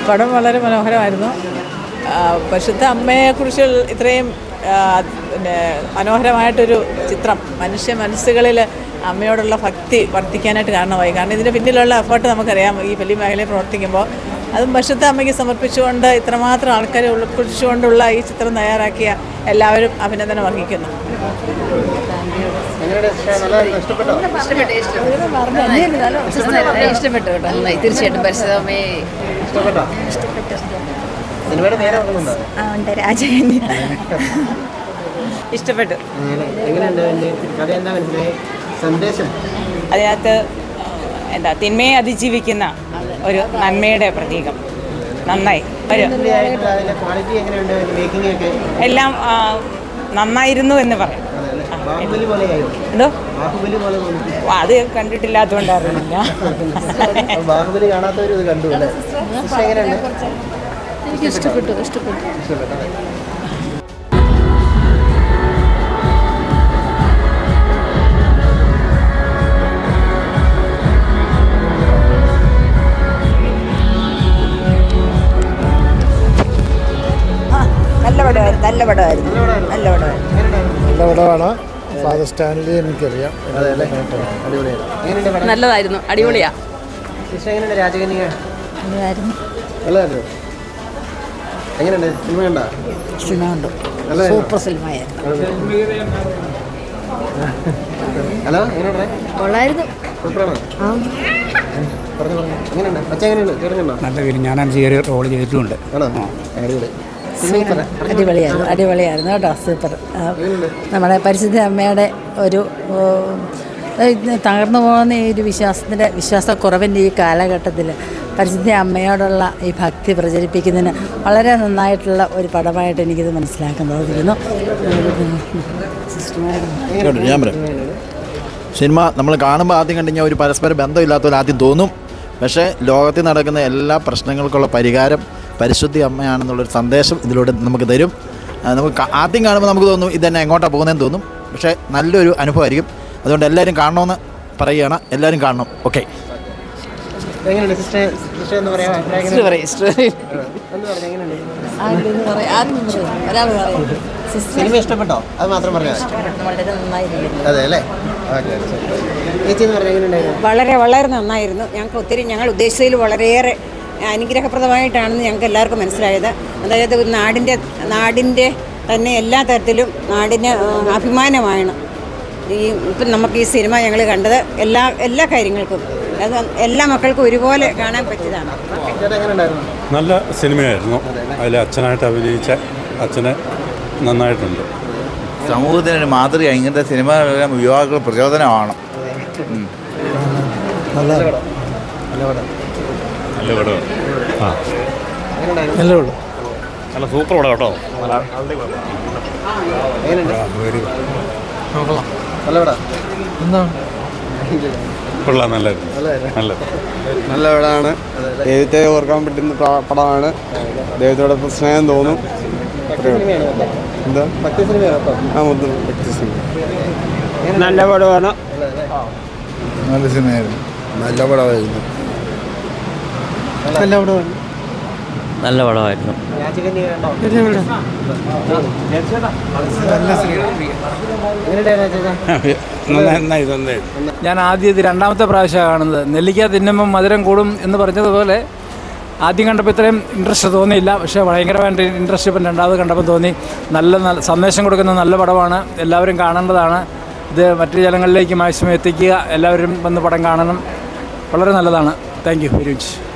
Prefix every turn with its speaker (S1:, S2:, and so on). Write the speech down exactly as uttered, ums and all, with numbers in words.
S1: പടം വളരെ മനോഹരമായിരുന്നു. പരിശുദ്ധ അമ്മയെക്കുറിച്ച് ഇത്രയും പിന്നെ മനോഹരമായിട്ടൊരു ചിത്രം മനുഷ്യ മനസ്സുകളിൽ അമ്മയോടുള്ള ഭക്തി വർദ്ധിക്കാനായിട്ട് കാരണമായി. കാരണം ഇതിൻ്റെ പിന്നിലുള്ള എഫേർട്ട് നമുക്കറിയാം. ഈ ഫിലിം മേഖലയിൽ പ്രവർത്തിക്കുമ്പോൾ അതും പരിശുദ്ധ അമ്മയ്ക്ക് സമർപ്പിച്ചുകൊണ്ട് ഇത്രമാത്രം ആൾക്കാരെ ഉൾക്കൊള്ളിച്ചുകൊണ്ടുള്ള ഈ ചിത്രം തയ്യാറാക്കിയ എല്ലാവരും അഭിനന്ദനം അർഹിക്കുന്നു.
S2: ഇഷ്ടപ്പെട്ടു കേട്ടോ, തീർച്ചയായിട്ടും പരിശുദ്ധ അമ്മയെ
S3: ഇഷ്ടപ്പെട്ടു.
S4: അതിനകത്ത് എന്താ തിന്മയെ അതിജീവിക്കുന്ന ഒരു നന്മയുടെ പ്രതീകം. നന്നായി ഒരു എല്ലാം നന്നായിരുന്നു എന്ന് പറയാം. എന്തോ അത് കണ്ടിട്ടില്ലാത്തതുകൊണ്ട് അറിയില്ല.
S2: ഇഷ്ടപ്പെട്ടു ഇഷ്ടപ്പെട്ടു
S5: നല്ല പടമായിരുന്നു നല്ല പടമായിരുന്നു നല്ല പടമായിരുന്നു
S6: നല്ല പടമാണ്. ഫാദർ സ്റ്റാൻലി എനിക്കറിയാം.
S2: നല്ലതായിരുന്നു, അടിപൊളിയാ.
S5: സിനിമ കണ്ടു, സൂപ്പർ സിനിമയായിരുന്നു. കൊള്ളായിരുന്നു.
S7: നല്ല പേര് ഞാനാണ് ചെറിയ റോൾ ചെയ്തിട്ടുമുണ്ട്.
S5: സൂപ്പർ അടിപൊളിയായിരുന്നു അടിപൊളിയായിരുന്നു കേട്ടോ. സൂപ്പർ. നമ്മുടെ പരിശുദ്ധ അമ്മയുടെ ഒരു തകർന്നു പോകുന്ന ഈ ഒരു വിശ്വാസത്തിൻ്റെ വിശ്വാസക്കുറവിൻ്റെ ഈ കാലഘട്ടത്തിൽ പരിശുദ്ധ അമ്മയോടുള്ള ഈ ഭക്തി പ്രചരിപ്പിക്കുന്നതിന് വളരെ നന്നായിട്ടുള്ള ഒരു പടമായിട്ട് എനിക്കിത് മനസ്സിലാക്കാൻ തോന്നിയിരുന്നു.
S8: ഞാൻ പറയാം, സിനിമ നമ്മൾ കാണുമ്പോൾ ആദ്യം കണ്ടു കഴിഞ്ഞാൽ ഒരു പരസ്പര ബന്ധമില്ലാത്തവർ ആദ്യം തോന്നും. പക്ഷേ ലോകത്തിൽ നടക്കുന്ന എല്ലാ പ്രശ്നങ്ങൾക്കുള്ള പരിഹാരം പരിശുദ്ധി അമ്മയാണെന്നുള്ളൊരു സന്ദേശം ഇതിലൂടെ നമുക്ക് തരും. നമുക്ക് ആദ്യം കാണുമ്പോൾ നമുക്ക് തോന്നും ഇതന്നെ എങ്ങോട്ടാണ് പോകുന്നതെന്ന് തോന്നും. പക്ഷേ നല്ലൊരു അനുഭവമായിരിക്കും. അതുകൊണ്ട് എല്ലാവരും കാണണമെന്ന് പറയുകയാണ്. എല്ലാവരും കാണണം. ഓക്കെ.
S9: സിനിമ ഇഷ്ടപ്പെട്ടോ? അത് മാത്രം പറഞ്ഞാൽ അതെ അല്ലേ?
S3: വളരെ വളരെ നന്നായിരുന്നു. ഞങ്ങൾക്ക് ഒത്തിരി ഞങ്ങൾ ഉദ്ദേശിച്ചതിൽ വളരെയേറെ അനുഗ്രഹപ്രദമായിട്ടാണെന്ന് ഞങ്ങൾക്ക് എല്ലാവർക്കും മനസ്സിലായത്. അതായത് നാടിൻ്റെ നാടിൻ്റെ തന്നെ എല്ലാ തരത്തിലും നാടിന് അഭിമാനമാണ് ഈ ഇപ്പം നമുക്ക് ഈ സിനിമ ഞങ്ങൾ കണ്ടത്. എല്ലാ എല്ലാ കാര്യങ്ങൾക്കും അത് എല്ലാ മക്കൾക്കും ഒരുപോലെ കാണാൻ പറ്റിയതാണ്.
S10: നല്ല സിനിമയായിരുന്നു. അതിൽ അച്ഛനായിട്ട് അഭിനയിച്ച അച്ഛന് നന്നായിട്ടുണ്ട്.
S8: സമൂഹത്തിനൊരു മാതൃക. ഇങ്ങനത്തെ സിനിമ യുവാക്കൾ പ്രചോദനമാണ്.
S6: നല്ല
S10: നല്ല പടം. ആ
S6: നല്ല പടം.
S10: നല്ല സൂപ്പർ പടം കേട്ടോ. കൊള്ളാം. നല്ലായിരുന്നു. നല്ല
S11: നല്ല പടമാണ്. ദൈവത്തെ ഓർക്കാൻ പറ്റുന്ന പടമാണ്. ദൈവത്തോടൊപ്പം സ്നേഹം തോന്നും. എന്താ ഭക്തി സിനിമയാണ്. ആ മൊത്തം ഭക്തി സിനിമ.
S7: നല്ല പടമാണ്.
S6: നല്ല സിനിമയായിരുന്നു.
S11: നല്ല പടമായിരുന്നു.
S6: നല്ല പടമാണ്.
S7: നല്ല പടമായിരുന്നു. ഞാൻ ആദ്യം ഇത് രണ്ടാമത്തെ പ്രാവശ്യമാണ് കാണുന്നത്. നെല്ലിക്ക തിന്നുമ്പം മധുരം കൂടും എന്ന് പറഞ്ഞതുപോലെ ആദ്യം കണ്ടപ്പോൾ ഇത്രയും ഇൻട്രസ്റ്റ് തോന്നിയില്ല. പക്ഷേ ഭയങ്കരമായിട്ട് ഇൻട്രസ്റ്റ് ഇപ്പം രണ്ടാമത് കണ്ടപ്പോൾ തോന്നി. നല്ല നല്ല സന്ദേശം കൊടുക്കുന്ന നല്ല പടമാണ്. എല്ലാവരും കാണേണ്ടതാണ്. ഇത് മറ്റു ജനങ്ങളിലേക്ക് മാക്സിമം എത്തിക്കുക. എല്ലാവരും വന്ന് പടം കാണണം. വളരെ നല്ലതാണ്. Thank you very much.